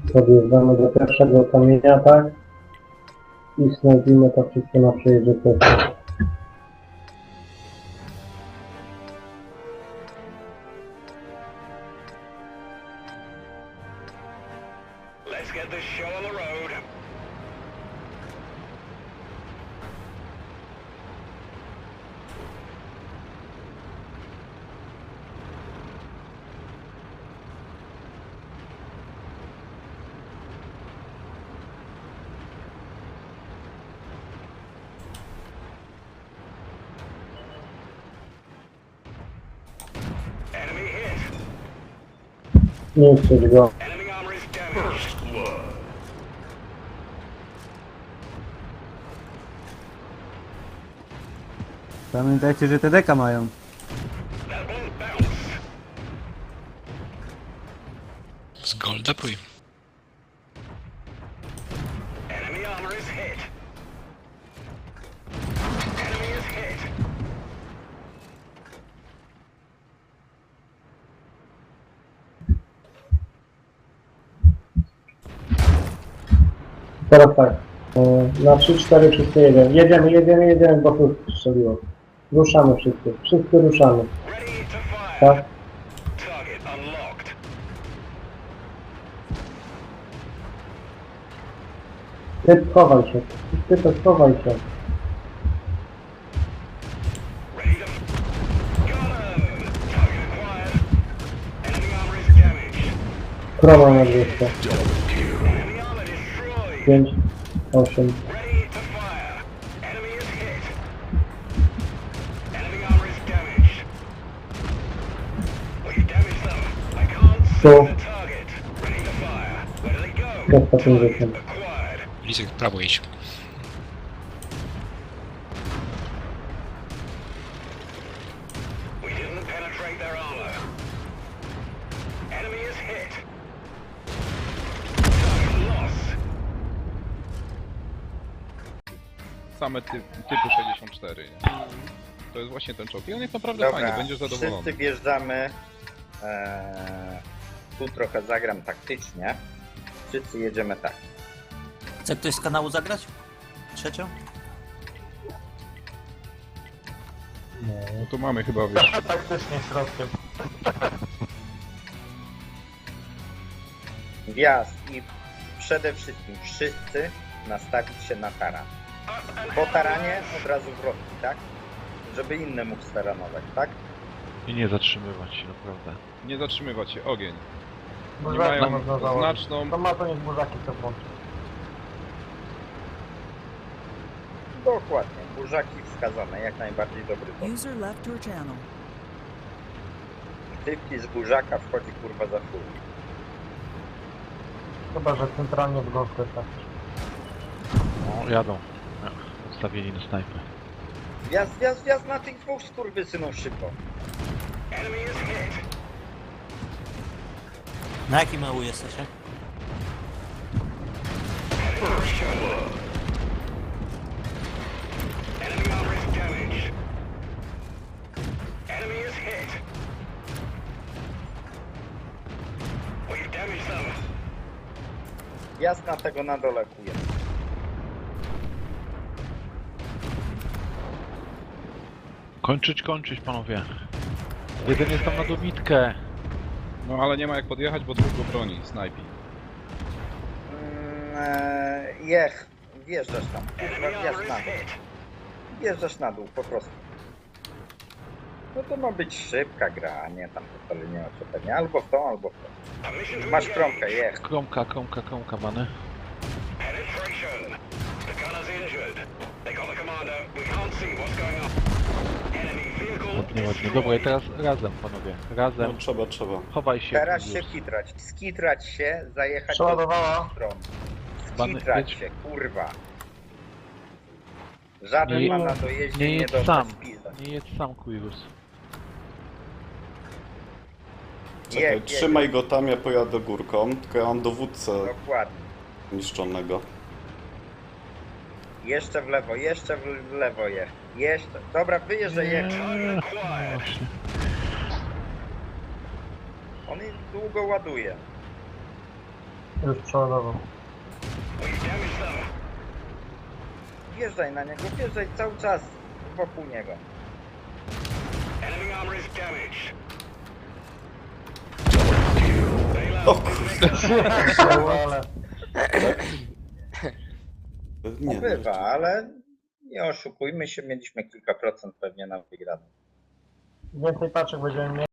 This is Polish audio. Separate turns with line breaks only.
Podjeżdżamy do pierwszego kamienia, tak? I snajpimy to wszystko na przejeździe pierwszym.
Let's get this show on the road. Enemy hit.
Nie chcesz go.
Enemy armor is damaged.
Pamiętajcie, że te deka mają.
That won't bounce.
Z golda pój.
Enemy armor is hit. Enemy is hit.
Teraz tak. Na 3, 4, wszyscy jedziemy. Jedziemy, bo tu strzeliło. Ruszamy wszyscy. Wszyscy ruszamy.
Ready to fire.
Tak?
Target unlocked.
Ty schowaj się. Ty to schowaj się.
Ready to... Got him! Target acquired. Enemy armor is damaged.
Kroma na 200.
Enemy armor destroyed.
5, 8.
Ready to fire. Enemy is hit. Enemy armor is damaged. We've damaged them. I can't see
So-
the target. Ready to fire. Where do they go?
250.
Acquired.
Lisek, w prawo idź.
We didn't penetrate their armor. Enemy is hit. Target loss.
Same typu 64, nie? To jest właśnie ten czołg. I on jest naprawdę
Dobra,
fajny, będziesz zadowolony.
wszyscy wjeżdżamy. Tu trochę zagram taktycznie. Wszyscy jedziemy tak.
Chce ktoś z kanału zagrać? Trzecią?
No tu mamy chyba, wiesz,
Wjazd i przede wszystkim wszyscy nastawić się na taran. Po taranie od razu wrotki, tak? Żeby inny mógł staranować, tak?
I nie zatrzymywać się, naprawdę.
nie zatrzymywać się, ogień. Nie
Burzaki
mają
można założyć.
znaczną...
To ma to niech burzaki to włączy.
Dokładnie. Burzaki wskazane, jak najbardziej dobry to.
User left your channel.
Typki z burzaka wchodzi kurwa za full.
Chyba, że centralnie w gąskę tak.
No, jadą. Ustawieni na snajpę.
Wjazd na tych dwóch skurwysynów szybko.
Enemy is hit.
Na jakim EU jesteście?
Enemy armor is damaged. Enemy is hit. We've damaged them.
Wjazd na tego na dole kuje.
Kończyć, panowie. Jeden jest tam na dobitkę.
No ale nie ma jak podjechać, bo dwóch go broni, snajpi.
Wjeżdżasz tam. Kurwa,
Enemy armor
wjazd
is
na dół.
hit.
Wjeżdżasz na dół, po prostu. No to ma być szybka gra, a nie tam totalnie oczepienie. Albo w tą, albo w tą.
Permission to
Masz
engage.
kromkę, jech.
Kromka, bany.
Penetration. The gunner's injured. They got the commander. We can't see what's going on. Enemy vehicle
Ładnie.
destroyed.
Dobra, i teraz razem, panowie. Razem.
Trzeba.
Chowaj się.
Teraz się
już.
kitrać. Skitrać się, zajechać
Przeładowała.
do stron.
Bany,
Skitrać
jedź.
się, kurwa. Żaden
Nie-
ma na dojeździe
Nie
nie
jedź
dostać
sam.
pizda.
Nie jedź sam, Kuirus.
Czekaj, trzymaj go tam, ja pojadę górką, tylko ja mam dowódcę
Dokładnie.
niszczonego.
Jeszcze w lewo je. Jeszcze. Dobra, wyjeżdżaj, jedź.
Właśnie.
On długo ładuje.
Już przeładował.
We've damaged them.
Wjeżdżaj na niego, wjeżdżaj cały czas wokół niego.
Enemy armor is damaged.
O kurde.
Ale
Nie,
Bywa, ale nie oszukujmy się, mieliśmy kilka procent pewnie na wygraną.
więcej paczek będziemy mieli.